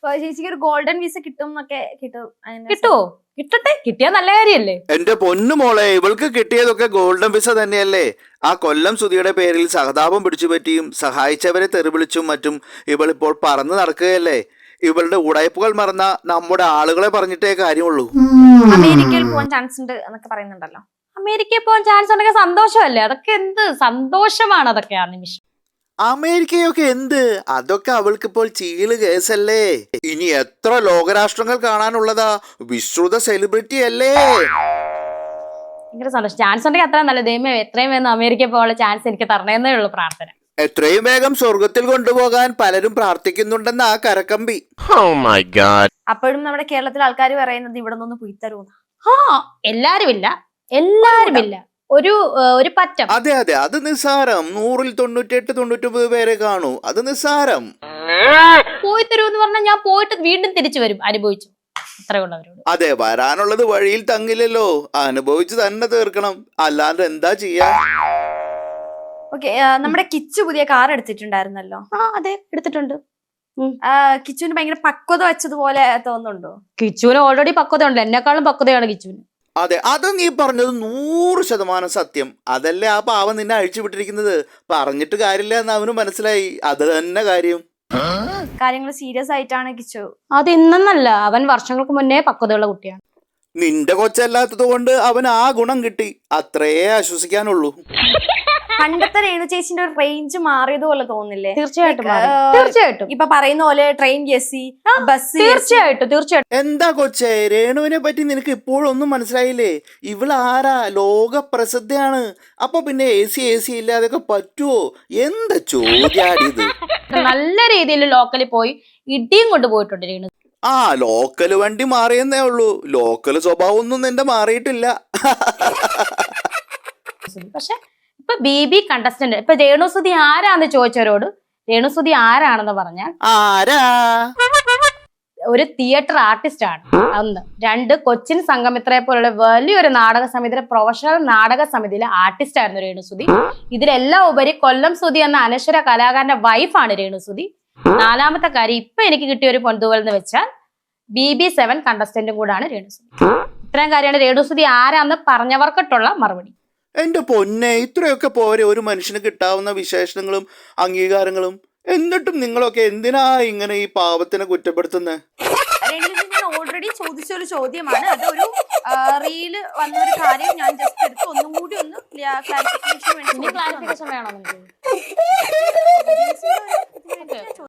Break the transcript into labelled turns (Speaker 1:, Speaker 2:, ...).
Speaker 1: ചേച്ചിക്ക് ഒരു golden visa കിട്ടും എന്നൊക്കെ
Speaker 2: കിട്ടുവോ? കിട്ടട്ടെ, കിട്ടിയാ നല്ല കാര്യല്ലേ.
Speaker 3: എന്റെ പൊന്നു മോളെ, ഇവൾക്ക് കിട്ടിയതൊക്കെ ഗോൾഡൻ വിസ തന്നെയല്ലേ. ആ കൊല്ലം സുധിയുടെ പേരിൽ സഹതാപം പിടിച്ചു പറ്റിയും സഹായിച്ചവരെ തെറിവിളിച്ചും മറ്റും ഇവളിപ്പോൾ പറന്നു നടക്കുകയല്ലേ. ഇവളുടെ ഉടായ്പകൾ മറന്ന നമ്മുടെ ആളുകളെ പറഞ്ഞിട്ടേ കാര്യമുള്ളൂ.
Speaker 1: അമേരിക്കയിൽ പോകാൻ ചാൻസ് ഉണ്ട് എന്നൊക്കെ പറയുന്നുണ്ടല്ലോ.
Speaker 2: അമേരിക്കയിൽ പോകാൻ ചാൻസ് ഉണ്ടെങ്കിൽ സന്തോഷമല്ലേ. അതൊക്കെ എന്ത് സന്തോഷമാണ് അതൊക്കെ ആ നിമിഷം.
Speaker 3: അമേരിക്കയൊക്കെ എന്ത്, അതൊക്കെ അവൾക്കിപ്പോൾ ചീള് കേസല്ലേ. ഇനി എത്ര ലോകരാഷ്ട്രങ്ങൾ കാണാനുള്ളതാ. വിശ്രുത സെലിബ്രിറ്റി അല്ലേ.
Speaker 2: ഭയങ്കര സന്തോഷം. ചാൻസ് ഉണ്ടെങ്കിൽ അത്ര നല്ല. ദൈവമേ, എത്രയും വേഗം അമേരിക്കയിൽ പോകാനുള്ള ചാൻസ് എനിക്ക് തരണേന്നേ ഉള്ളൂ പ്രാർത്ഥന.
Speaker 3: എത്രയും വേഗം സ്വർഗത്തിൽ കൊണ്ടുപോകാൻ പലരും പ്രാർത്ഥിക്കുന്നുണ്ടെന്ന് ആ കരക്കമ്പി.
Speaker 1: അപ്പോഴും നമ്മുടെ കേരളത്തിലെ ആൾക്കാർ പറയുന്നത് ഇവിടെ നിന്ന് പോയി തരുമെന്ന്.
Speaker 2: എല്ലാരുമില്ല. ഒരു പറ്റം.
Speaker 3: അതെ അതെ, അത് നിസ്സാരം. 100-ൽ 98-99 പേരെ കാണൂ. അത് നിസ്സാരം.
Speaker 2: പോയി തരുമെന്ന് പറഞ്ഞാൽ ഞാൻ പോയിട്ട് വീണ്ടും തിരിച്ചു വരും, അനുഭവിച്ചു. അത്രയുള്ളവരോട്.
Speaker 3: അതെ, വരാനുള്ളത് വഴിയിൽ തങ്ങില്ലല്ലോ, അനുഭവിച്ചു തന്നെ തീർക്കണം. അല്ലാണ്ട് എന്താ ചെയ്യാ.
Speaker 1: ഓക്കെ, നമ്മുടെ കിച്ചു പുതിയ കാർ എടുത്തിട്ടുണ്ടായിരുന്നല്ലോ.
Speaker 2: അതെ, എടുത്തിട്ടുണ്ട്.
Speaker 1: കിച്ചുവിന് ഭയങ്കര പക്വത വെച്ചതുപോലെ തോന്നുന്നുണ്ടോ?
Speaker 2: കിച്ചുവിന് ഓൾറെഡി പക്വത ഉണ്ട്. എന്നെക്കാളും പക്വതയാണ് കിച്ചുവിന്.
Speaker 3: അതെ, അത് നീ പറഞ്ഞത് 100% സത്യം. അതല്ലേ ആ പാവം നിന്നെ അഴിച്ചു വിട്ടിരിക്കുന്നത്. പറഞ്ഞിട്ട് കാര്യമില്ല എന്ന് അവന് മനസ്സിലായി. അത് തന്നെ കാര്യം.
Speaker 1: കാര്യങ്ങൾ സീരിയസ് ആയിട്ടാണ് കിച്ചു.
Speaker 2: അത് ഇന്നല്ല, അവൻ വർഷങ്ങൾക്ക് മുന്നേ പക്വതയുള്ള കുട്ടിയാണ്.
Speaker 3: നിന്റെ കൊച്ചല്ലാത്തത് കൊണ്ട് അവൻ ആ ഗുണം കിട്ടി, അത്രേ ആശ്വസിക്കാനുള്ളൂ.
Speaker 1: പണ്ടത്തെ രേണു ചേച്ചിന്റെ ഒരു റേഞ്ച് മാറിയതുപോലെ തോന്നില്ലേ?
Speaker 2: തീർച്ചയായിട്ടും.
Speaker 1: ഇപ്പൊ പറയുന്ന പോലെ ട്രെയിൻ എസി, ബസ്.
Speaker 2: തീർച്ചയായിട്ടും.
Speaker 3: എന്താ കൊച്ചേ, രേണുവിനെ പറ്റി നിനക്ക് ഇപ്പോഴൊന്നും മനസ്സിലായില്ലേ? ഇവളാരാ? ലോക പ്രസിദ്ധയാണ്. അപ്പൊ പിന്നെ എ സി ഇല്ലാതൊക്കെ പറ്റുവോ? എന്താ ചോദ്യാടിത്.
Speaker 2: നല്ല രീതിയിൽ ലോക്കലിൽ പോയി ഇടിയും കൊണ്ടുപോയിട്ടുണ്ട് രേണു.
Speaker 3: ലോക്കല് വണ്ടി മാറിയെന്നേ ഉള്ളൂ. ലോക്കല് സ്വഭാവം ഒന്നും നിന്റെ മാറിയിട്ടില്ല.
Speaker 2: പക്ഷെ ഇപ്പൊ ബി കണ്ടസ്റ്റന്റ്, ഇപ്പൊ രേണുസുതി ആരാന്ന് ചോദിച്ചവരോട് രേണുസുതി ആരാണെന്ന് പറഞ്ഞാൽ
Speaker 3: ആരാ?
Speaker 2: ഒരു തിയേറ്റർ ആർട്ടിസ്റ്റ് ആണ്. 1. 2, കൊച്ചിൻ സംഗമിത്രയെ പോലുള്ള വലിയൊരു നാടക സമിതിയിലെ പ്രൊഫഷണൽ നാടക സമിതിയിലെ ആർട്ടിസ്റ്റ് ആയിരുന്നു രേണുസുതി. ഇതിലെല്ലാം ഉപരി കൊല്ലം സുധി എന്ന അനശ്വര കലാകാരന്റെ വൈഫാണ് രേണുസുതി. 4ാമത്തെ കാര്യം, ഇപ്പൊ എനിക്ക് കിട്ടിയ ഒരു പൊന്തുവൽ എന്ന് വെച്ചാൽ BB7 കണ്ടസ്റ്റന്റും കൂടാണ് രേണുസുതി. ഇത്രയും കാര്യമാണ് രേണുസുതി ആരാന്ന് പറഞ്ഞവർക്കിട്ടുള്ള മറുപടി.
Speaker 3: എന്റെ പൊന്നെ, ഇത്രയൊക്കെ പോരെ ഒരു മനുഷ്യന് കിട്ടാവുന്ന വിശേഷണങ്ങളും അംഗീകാരങ്ങളും. എന്നിട്ടും നിങ്ങളൊക്കെ എന്തിനാ ഇങ്ങനെ ഈ പാവത്തിനെ കുറ്റപ്പെടുത്തുന്നത്?
Speaker 1: ഞാൻ ഓൾറെഡി ചോദിച്ചൊരു ചോദ്യമാണ്. അതൊരു റീല് വന്നൊരു കാര്യം ഞാൻ ജസ്റ്റ് എടുത്ത് ഒന്നും കൂടി ഒന്ന് ക്ലാരിഫിക്കേഷൻ
Speaker 2: വേണം.